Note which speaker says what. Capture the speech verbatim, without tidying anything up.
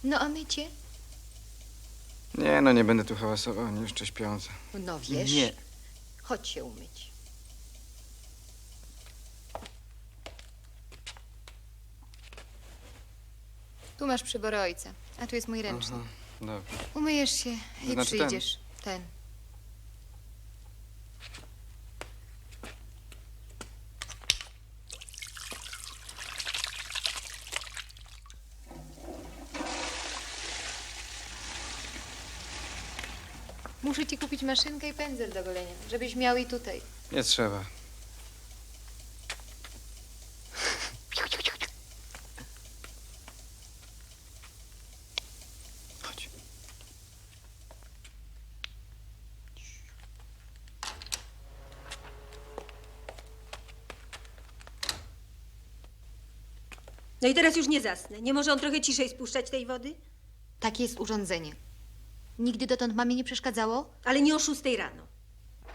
Speaker 1: No a mycie?
Speaker 2: Nie, no nie będę tu hałasował, ani jeszcze śpiąca.
Speaker 1: No wiesz.
Speaker 2: Nie.
Speaker 1: Chodź się umyć. Tu masz przybory ojca, a tu jest mój ręczny.
Speaker 2: Aha, dobrze.
Speaker 1: Umyjesz się i
Speaker 2: Znaczy ten.
Speaker 1: przyjdziesz. Ten. Muszę ci kupić maszynkę i pędzel do golenia, żebyś miał i tutaj.
Speaker 2: Nie trzeba. Chodź.
Speaker 3: No i teraz już nie zasnę. Nie może on trochę ciszej spuszczać tej wody?
Speaker 1: Takie jest urządzenie. Nigdy dotąd mamie nie przeszkadzało?
Speaker 3: Ale nie o szóstej rano.